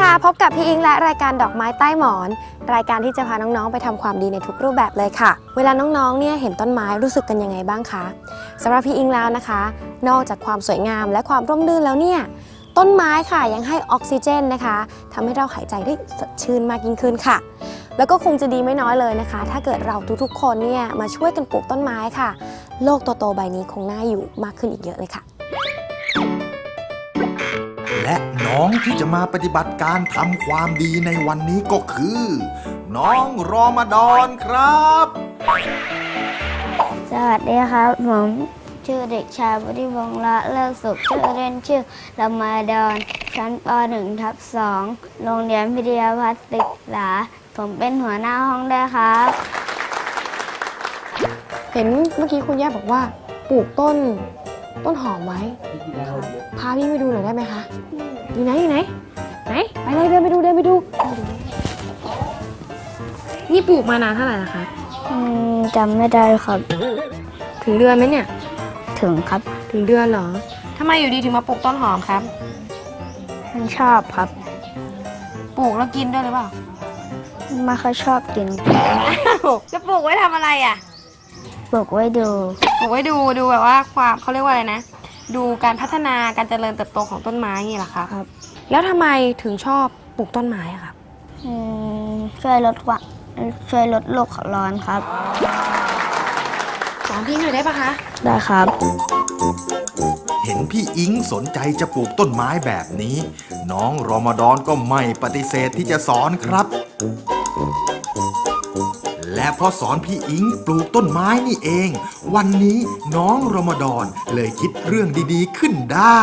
ค่ะพบกับพี่อิงและรายการดอกไม้ใต้หมอนรายการที่จะพาน้องๆไปทำความดีในทุกรูปแบบเลยค่ะเวลาน้องๆเนี่ยเห็นต้นไม้รู้สึกกันยังไงบ้างคะสำหรับพี่อิงแล้วนะคะนอกจากความสวยงามและความร่มรื่นแล้วเนี่ยต้นไม้ค่ะยังให้ออกซิเจนนะคะทำให้เราหายใจได้สดชื่นมากยิ่งขึ้นค่ะแล้วก็คงจะดีไม่น้อยเลยนะคะถ้าเกิดเราทุกๆคนเนี่ยมาช่วยกันปลูกต้นไม้ค่ะโลกโตๆใบนี้คงน่าอยู่มากขึ้นอีกเยอะเลยค่ะและน้องที่จะมาปฏิบัติการทำความดีในวันนี้ก็คือ น้องรอมฎอนครับสวัสดีครับผมชื่อเด็กชายวุฒิวงศ์ละเลิศสุขชื่อเล่นชื่อรอมฎอนชั้นป .1/2 โรงเรียนพิทยาพัฒน์ศึกษาผมเป็นหัวหน้าห้องด้วยครับเห็นเมื่อกี้คุณย่าบอกว่าปลูกต้นหอมไว้พาพี่ไปดูหน่อยได้ไหมคะอยู่ไหนไหนไปเลยเดินไปดูนี่ปลูกมานานเท่าไหร่ละคะจำไม่ได้ครับถึงเดือนไหมเนี่ยถึงครับถึงเดือนเหรอทำไมอยู่ดีถึงมาปลูกต้นหอมครับมันชอบครับปลูกแล้วกินด้วยหรือเปล่าไม่ค่อยชอบกินจะปลูกไว้ทำอะไรอ่ะปลูกไว้ดูปลูกไว้ดูแบบว่าความเขาเรียกว่าอะไรนะดูการพัฒนาการเจริญเติบโตของต้นไม้นี่แหละครับ แล้วทำไมถึงชอบปลูกต้นไม้อะครับช่วยลดโลกร้อนครับสอนพี่หน่อยได้ปะคะได้ครับเห็นพี่อิงสนใจจะปลูกต้นไม้แบบนี้ น้องรอมฎอนก็ไม่ปฏิเสธที่จะสอนครับ และเพราะสอนพี่อิงปลูกต้นไม้นี่เอง วันนี้น้องรอมฎอนเลยคิดเรื่องดีๆขึ้นได้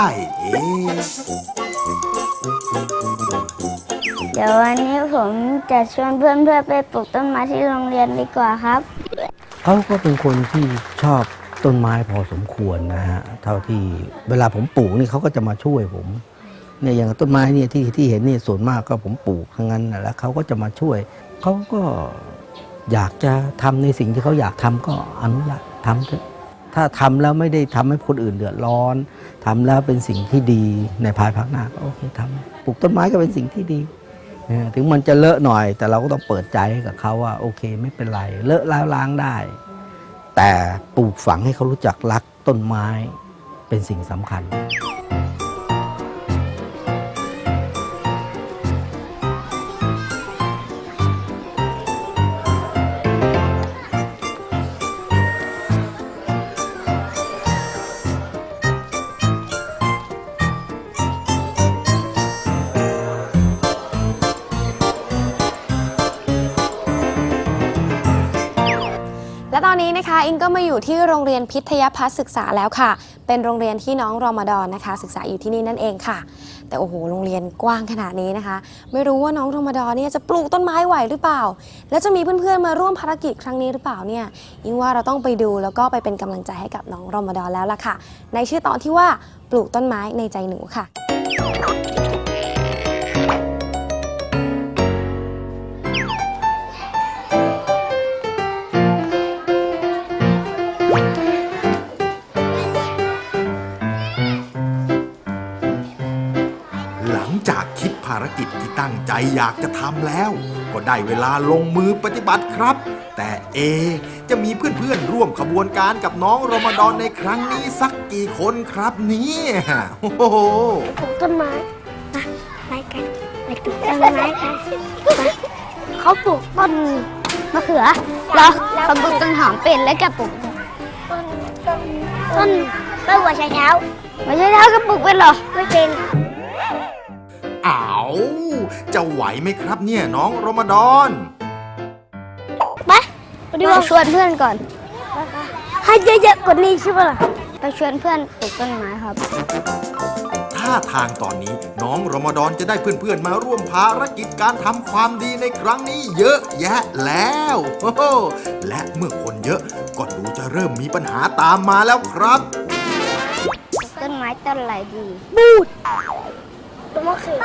เดี๋ยววันนี้ผมจะชวนเพื่อนๆไปปลูกต้นไม้ที่โรงเรียนดีกว่าครับเขาก็เป็นคนที่ชอบต้นไม้พอสมควรนะฮะเท่าที่เวลาผมปลูกนี่เขาก็จะมาช่วยผมเนี่ยอย่างต้นไม้เนี่ยที่เห็นนี่ส่วนมากก็ผมปลูกทั้งนั้นนะแล้วเขาก็จะมาช่วยเขาก็อยากจะทำในสิ่งที่เขาอยากทำก็อนุญาตทำเถอะถ้าทำแล้วไม่ได้ทำให้คนอื่นเดือดร้อนทำแล้วเป็นสิ่งที่ดีในภายภาคหน้าก็โอเคทำปลูกต้นไม้ก็เป็นสิ่งที่ดีถึงมันจะเลอะหน่อยแต่เราก็ต้องเปิดใจให้กับเขาว่าโอเคไม่เป็นไรเลอะแล้วล้างได้แต่ปลูกฝังให้เขารู้จักรักต้นไม้เป็นสิ่งสำคัญและตอนนี้นะคะอิงก็มาอยู่ที่โรงเรียนพิทยพัฒน์ศึกษาแล้วค่ะเป็นโรงเรียนที่น้องรอมฎอนนะคะศึกษาอยู่ที่นี่นั่นเองค่ะแต่โอ้โหโรงเรียนกว้างขนาดนี้นะคะไม่รู้ว่าน้องรอมฎอนเนี่ยจะปลูกต้นไม้ไหวหรือเปล่าแล้วจะมีเพื่อนๆมาร่วมภารกิจครั้งนี้หรือเปล่าเนี่ยอิงว่าเราต้องไปดูแล้วก็ไปเป็นกำลังใจให้กับน้องรอมฎอนแล้วล่ะค่ะในชื่อตอนที่ว่าปลูกต้นไม้ในใจหนูค่ะหลังจากคิดภารกิจที่ตั้งใจอยากจะทำแล้ว ก็ได้เวลาลงมือปฏิบัติครับ แต่จะมีเพื่อนๆร่วมขบวนการกับน้องรอมฎอนในครั้งนี้สักกี่คนครับเนี่ยโอ้โหปลูกต้นไม้ไปกันไปปลูกต้นไม้กันเขาปลูกต้นมะเขือแล้วเขาปลูกต้นหอมเป็นแล้วก็ปลูกต้นหัวไชเท้าหัวไชเท้าก็ปลูกเป็นเหรอไม่เป็นอ้าวจะไหวไหมครับเนี่ยน้องรอมฎอนไปชวนเพื่อนก่อนให้เยอะๆกว่านี้ใช่ไหมล่ะไปชวนเพื่อนปลูกต้นไม้ครับท่าทางตอนนี้น้องรอมฎอนจะได้เพื่อนๆมาร่วมภารกิจการทำความดีในครั้งนี้เยอะแยะแล้วและเมื่อคนเยอะก็ดูจะเริ่มมีปัญหาตามมาแล้วครับต้นไม้ต้นอะไรดีบูดต้นมะเขือ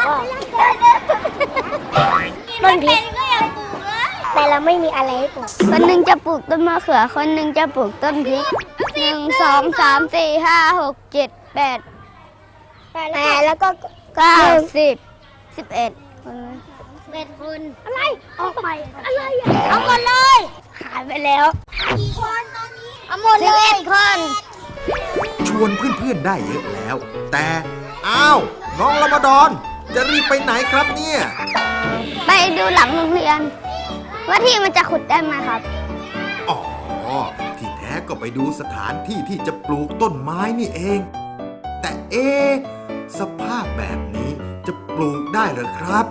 ต้นพริกแต่เราไม่มีอะไรให้ปลูกคนหนึ่งจะปลูกต้นมะเขือคนหนึ่งจะปลูกต้นพริก1 2 3 4 5 6 7 8 แล้วก็ 9 10 11 เป็นคนอะไร ออกไป อะไรอ่ะ เอาหมดเลยหายไปแล้วกี่คนตอนนี้ เอาหมดเลย 11 คนชวนเพื่อนๆได้เยอะแล้ว แต่อ้าวน้องรอมฎอน จะรีบไปไหนครับเนี่ยไปดูหลังโรงเรียน ว่าที่มันจะขุดได้ไหมครับอ๋อ ที่แท้ก็ไปดูสถานที่ที่จะปลูกต้นไม้นี่เอง แต่สภาพแบบนี้จะปลูกได้เหรอครับ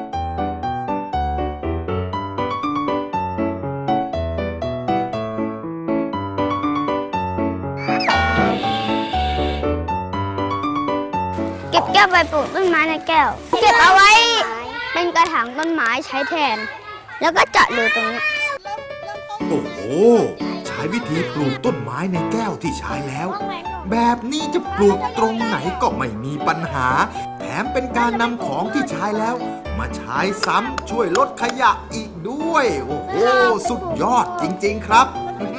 เก็บแก้วไปปลูกต้นไม้ในแก้ว เก็บเอาไว้เป็นกระถางต้นไม้ใช้แทน แล้วก็เจาะรูตรงนี้โอ้โห ใช้วิธีปลูกต้นไม้ในแก้วที่ใช้แล้ว แบบนี้จะปลูกตรงไหนก็ไม่มีปัญหา แถมเป็นการนำของที่ใช้แล้ว มาใช้ซ้ำช่วยลดขยะอีกด้วย โอ้โห สุดยอดจริงๆครับ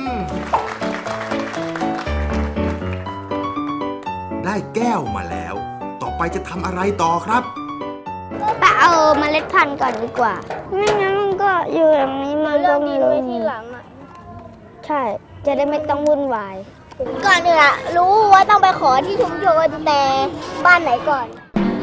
ได้แก้วมาแล้ว ต่อไปจะทำอะไรต่อครับไปเอาเมล็ดพันธุ์ก่อนดีกว่า ไม่งั้นมันก็อยู่อย่างนี้มันก็ไม่รู้ทีหลังอ่ะ ใช่ จะได้ไม่ต้องวุ่นวายก่อนอื่นอะรู้ว่าต้องไปขอที่ชุมชนแต่บ้านไหนก่อน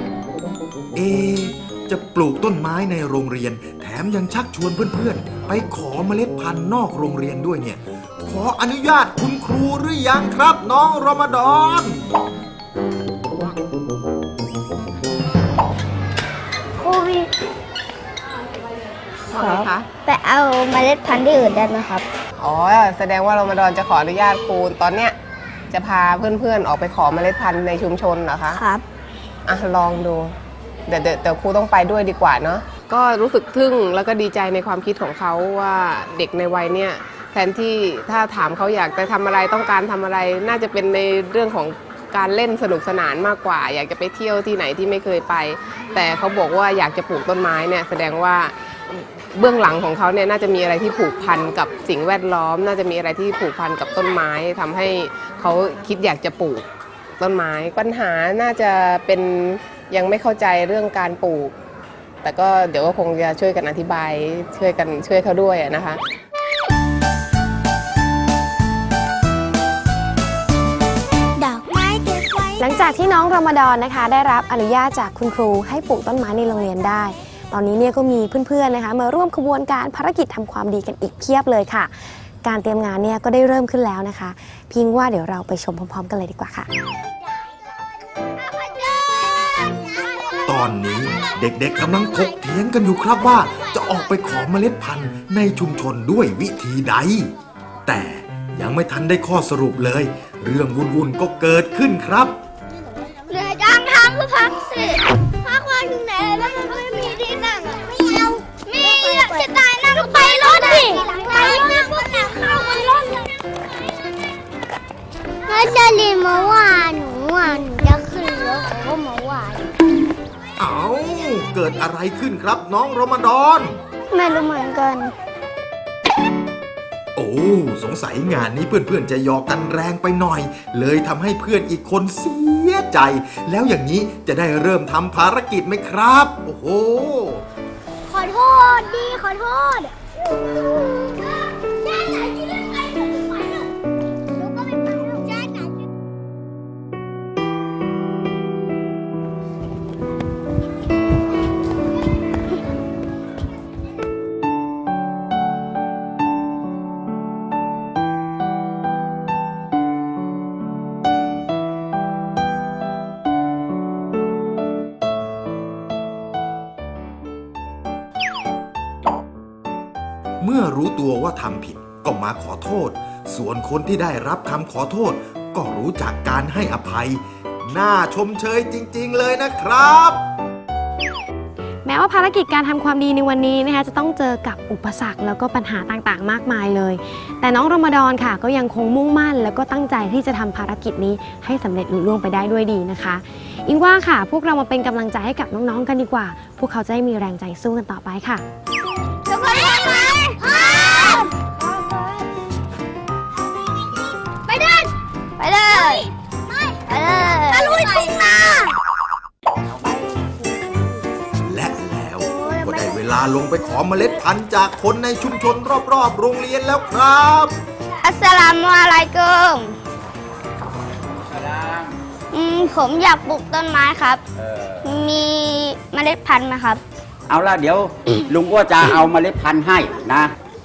จะปลูกต้นไม้ในโรงเรียน แถมยังชักชวนเพื่อนๆ ไปขอเมล็ดพันธุ์นอกโรงเรียนด้วยเนี่ย ขออนุญาตคุณครูหรือยังครับน้องรอมฎอนครูพี่ว่าไงคะไปเอาเมล็ดพันธุ์ที่อื่นได้ไหมครับอ๋อ แสดงว่ารอมฎอนจะขออนุญาตครูตอนเนี้ยจะพาเพื่อนๆออกไปขอเมล็ดพันธุ์ในชุมชนเหรอคะครับอ่ะลองดู เดี๋ยวครูต้องไปด้วยดีกว่าเนาะ ก็รู้สึกทึ่งแล้วก็ดีใจในความคิดของเขาว่าเด็กในวัยเนี้ยแทนที่ถ้าถามเขาอยากจะทำอะไรต้องการทำอะไร น่าจะเป็นในเรื่องของการเล่นสนุกสนานมากกว่า อยากจะไปเที่ยวที่ไหนที่ไม่เคยไป แต่เขาบอกว่าอยากจะปลูกต้นไม้เนี่ยแสดงว่าเบื้องหลังของเขาเนี่ยน่าจะมีอะไรที่ผูกพันกับสิ่งแวดล้อม น่าจะมีอะไรที่ผูกพันกับต้นไม้ทำให้เขาคิดอยากจะปลูกต้นไม้ปัญหาน่าจะเป็นยังไม่เข้าใจเรื่องการปลูก แต่ก็เดี๋ยวก็คงจะช่วยกันอธิบายช่วยเขาด้วยนะคะหลังจากที่น้องรอมฎอนนะคะ ได้รับอนุญาตจากคุณครูให้ปลูกต้นไม้ในโรงเรียนได้ ตอนนี้เนี่ยก็มีเพื่อนๆนะคะมาร่วมขบวนการภารกิจทำความดีกันอีกเพียบเลยค่ะ การเตรียมงานเนี่ยก็ได้เริ่มขึ้นแล้วนะคะพิงว่าเดี๋ยวเราไปชมพร้อมๆกันเลยดีกว่าค่ะตอนนี้เด็กๆกำลังถกเถียงกันอยู่ครับว่าจะออกไปขอเมล็ดพันธุ์ในชุมชนด้วยวิธีใด แต่ยังไม่ทันได้ข้อสรุปเลย เรื่องวุ่นๆก็เกิดขึ้นครับเหนื่อยจังทำก็พักสิพักวันถึงไหนแล้วมันไม่มีที่นั่งอะไม่เอามีอะจะตายนั่งก็ไปรถดิไปรถพวกน่ะเข้าบนรถเลยแล้วจะรีมาว่าหนูจะขึ้นรถเขาก็มาว่าเอาเกิดอะไรขึ้นครับน้องรอมฎอนไม่รู้เหมือนกันโอ้สงสัยงานนี้เพื่อนๆจะหยอกกันแรงไปหน่อย เลยทำให้เพื่อนอีกคนเสียใจ แล้วอย่างนี้จะได้เริ่มทำภารกิจไหมครับ โอ้โหขอโทษดีขอโทษจ้าไหนที่เล่นไปหนูไปหนูก็ไม่ไปหรอกจ้าไหนเมื่อรู้ตัวว่าทำผิดก็มาขอโทษ ส่วนคนที่ได้รับคำขอโทษ ก็รู้จักการให้อภัย น่าชมเชยจริงๆเลยนะครับแม้ว่าภารกิจการทำความดีในวันนี้นะคะจะต้องเจอกับอุปสรรคแล้วก็ปัญหาต่างๆ มากมายเลย แต่น้องรอมฎอนค่ะก็ยังคงมุ่งมั่นแล้วก็ตั้งใจที่จะทำภารกิจนี้ให้สำเร็จลุล่วงไปได้ด้วยดีนะคะอิงว่าค่ะพวกเรามาเป็นกำลังใจให้กับน้องๆกันดีกว่า พวกเขาจะได้มีแรงใจสู้กันต่อไปค่ะทุกคนพร้อมไหมพร้อมไปเดินไปเลย ไปเลยตะลุยทุ่งนาและแล้วาลงไปขอเมล็ดพันธุ์จากคนในชุมชนรอบๆโรงเรียนแล้วครับอัสสลามุอะลัยกุมผมอยากปลูกต้นไม้ครับ มีเมล็ดพันธุ์ไหมครับเอาละเดี๋ยว ลุงก็จะเอาเมล็ดพันธุ์ให้นะ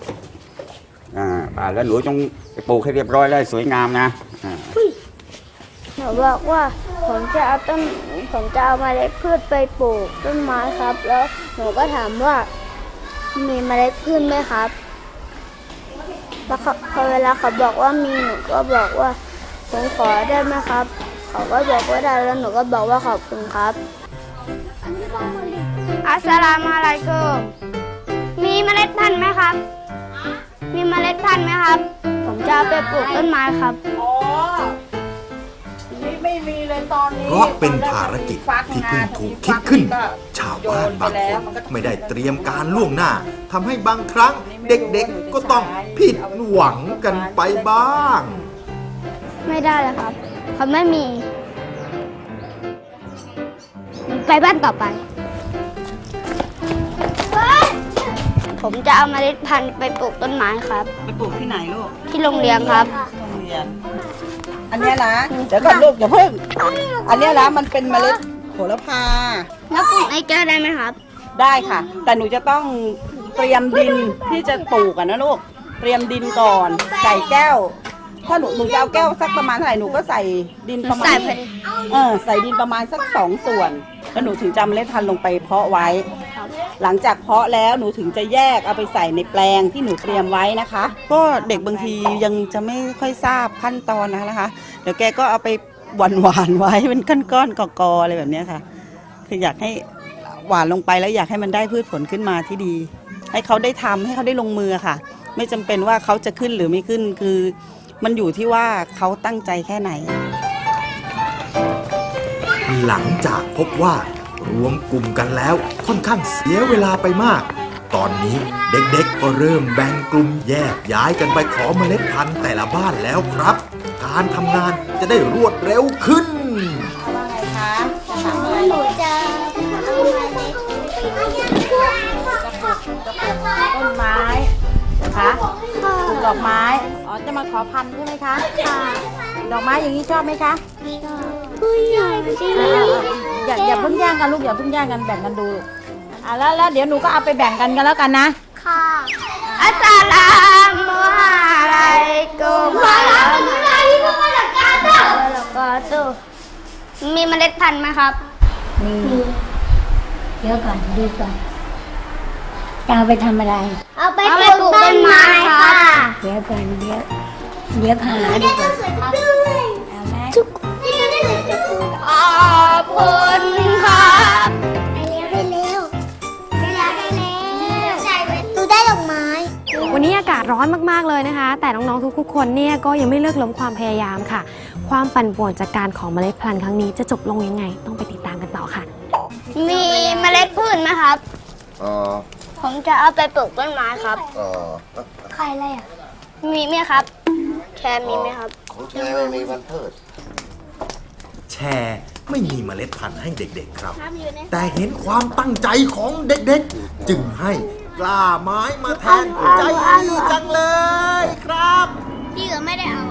แล้วหนูจงไปปลูกให้เรียบร้อยเลยสวยงามนะหนูบอกว่าผมจะเอาเมล็ดพืชไปปลูกต้นไม้ครับ แล้วหนูก็ถามว่ามีเมล็ดพืชไหมครับแล้วพอเวลาเขาบอกว่ามีหนูก็บอกว่าผมขอได้ไหมครับเขาก็บอกว่าได้แล้วหนูก็บอกว่าขอบคุณครับอัสสลามุอะลัยกุมมีเมล็ดพันธุ์ไหมครับมีเมล็ดพันธุ์ไหมครับผมจะเอาไปปลูกต้นไม้ครับไม่มีเลยตอนนี้เพราะเป็นภารกิจที่เพิ่งถูกคิดขึ้น ชาวบ้านบางคนไม่ได้เตรียมการล่วงหน้าทำให้บางครั้งเด็กๆก็ต้องผิดหวังกันไปบ้างไม่ได้เลยครับเขาไม่มีไปบ้านต่อไปผมจะเอาเมล็ดพันธุ์ไปปลูกต้นไม้ครับไปปลูกที่ไหนลูกที่โรงเรียนครับโรงเรียน อันเนี้ยนะ เดี๋ยวก่อนลูกอย่าเพิ่ง อันเนี้ยนะมันเป็นเมล็ดโหระพาแล้วปลูกในแก้วได้ไหมครับได้ค่ะ แต่หนูจะต้องเตรียมดินที่จะปลูกนะลูก เตรียมดินก่อน ใส่แก้ว ถ้าหนูจะเอาแก้วสักประมาณเท่าไหร่หนูก็ใส่ดินประมาณใส่พอดีใส่ดินประมาณสัก2 ส่วน แล้วหนูถึงจะเอาเมล็ดพันธุ์ลงไปเพาะไว้ หลังจากเพาะแล้วหนูถึงจะแยกเอาไปใส่ในแปลงที่หนูเตรียมไว้นะคะ ก็เด็กบางทียังจะไม่ค่อยทราบขั้นตอนนะคะเดี๋ยวแกก็เอาไปหวานไว้เป็นก้อนๆกอๆอะไรแบบนี้ค่ะ คืออยากให้หวานลงไปแล้วอยากให้มันได้พืชผลขึ้นมาที่ดี ให้เขาได้ทำให้เขาได้ลงมือค่ะ ไม่จำเป็นว่าเขาจะขึ้นหรือไม่ขึ้นคือมันอยู่ที่ว่าเขาตั้งใจแค่ไหนหลังจากพบว่ารวมกลุ่มกันแล้วค่อนข้างเสียเวลาไปมาก ตอนนี้เด็กๆก็เริ่มแบ่งกลุ่มแยกย้ายกันไปขอเมล็ดพันธุ์แต่ละบ้านแล้วครับ การทำงานจะได้รวดเร็วขึ้นหนูจะเอาเมล็ดต้นไม้คะปลูกดอกไม้ อ๋อ จะมาขอพันธุ์ใช่ไหมคะค่ะดอกไม้อย่างนี้ชอบไหมคะผู้ใหญ่จริงอย่าเพิ่งแย่งกันลูกอย่าเพิ่งแย่งกันแบ่งกันดูแล้วเดี๋ยวหนูก็เอาไปแบ่งกันแล้วกันนะค่ะอัสสลามุอะลัยกุมแล้วก็ตู้มีเมล็ดพันธุ์ไหมครับเดี๋ยวก่อนดูก่อนจะเอาไปทำอะไรเอาไปปลูกต้นไม้ค่ะเดี๋ยวก่อนเดี๋ยวหาดีกว่าเอาไหมขอบคุณครับได้แล้วหนูได้ดอกไม้วันนี้อากาศร้อนมากๆเลยนะคะ แต่น้องๆทุกๆคนเนี่ยก็ยังไม่เลิกล้มความพยายามค่ะ ความปั่นป่วนจากการของเมล็ดพันธุ์ครั้งนี้จะจบลงยังไง ต้องไปติดตามกันต่อค่ะมีเมล็ดพืชไหมครับ ผมจะเอาไปปลูกต้นไม้ครับใครอะไรอ่ะมีไหมครับ แค่มีไหมครับของแชร์ไม่มีวันเพิดแชร์ไม่มีเมล็ดพันธุ์ให้เด็กๆครับ แต่เห็นความตั้งใจของเด็กๆ จึงให้กล้าไม้มาแทนใจดีจังเลยครับพี่ก็ไม่ได้เอา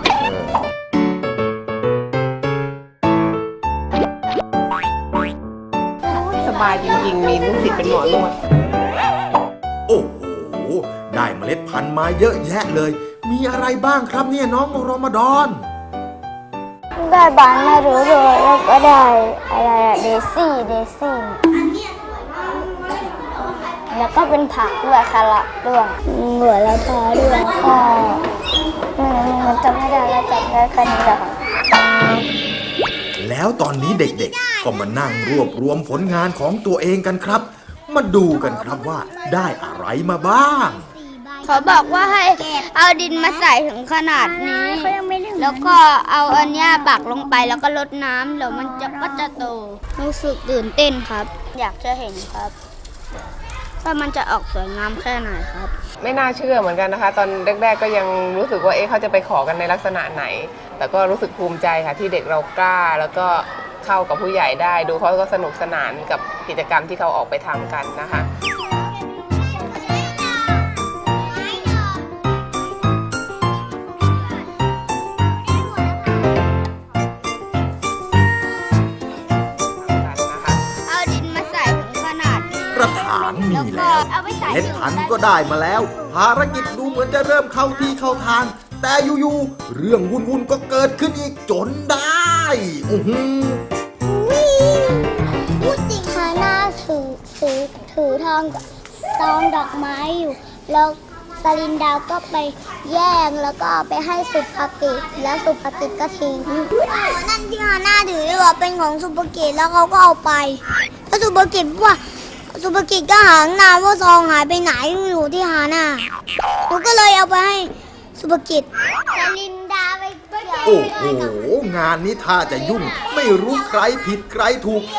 สบายจริงๆ มีลูกศิษย์เป็นหมอนวดโอ้โห ได้เมล็ดพันธุ์มาเยอะแยะเลย มีอะไรบ้างครับเนี่ยน้องรอมฎอนได้บานไม่รู้เลยแล้วก็ได้อะไรอะเดซี่แล้วก็เป็นผักด้วยคาระด้วยหัวละพาด้วยก็มันจำไม่ได้แล้วจำได้แค่นี้แหละค่ะแล้วตอนนี้เด็กๆ ก็มานั่งรวบรวมผลงานของตัวเองกันครับ มาดูกันครับว่าได้อะไรมาบ้างเขาบอกว่าให้เอาดินมาใส่ถึงขนาดนี้ แล้วก็เอาอันเนี้ยปักลงไปแล้วก็รดน้ำแล้วมันก็จะโต รู้สึกตื่นเต้นครับ อยากจะเห็นครับว่ามันจะออกสวยงามแค่ไหนครับไม่น่าเชื่อเหมือนกันนะคะ ตอนแรกๆก็ยังรู้สึกว่าเขาจะไปขอกันในลักษณะไหน แต่ก็รู้สึกภูมิใจค่ะที่เด็กเรากล้า แล้วก็เข้ากับผู้ใหญ่ได้ ดูเขาก็สนุกสนานกับกิจกรรมที่เขาออกไปทำกันนะคะเอาไปใส่เล็ดพันก็ได้มาแล้ว ภารกิจดูเหมือนจะเริ่มเข้าที่เข้าทาง แต่อยู่ๆเรื่องวุ่นๆก็เกิดขึ้นอีกจนได้อื้อหือพูดจริงฮาน่าถือทองกับซองดอกไม้อยู่แล้วสลินดาวก็ไปแย่งแล้วก็เอาไปให้สุภกิจแล้วสุภกิจก็ทิ้งนั่นที่ฮาน่าถือว่าเป็นของสุภกิจแล้วเขาก็เอาไปแล้วสุภกิจว่าสุภกิจก็หาตั้งนานว่าซองหายไปไหนอยู่ที่ฮาน่าหนูก็เลยเอาไปให้สุภกิจสลินดาไปโอ้โห งานนี้ถ้าจะยุ่ง ไม่รู้ใครผิดใครถูก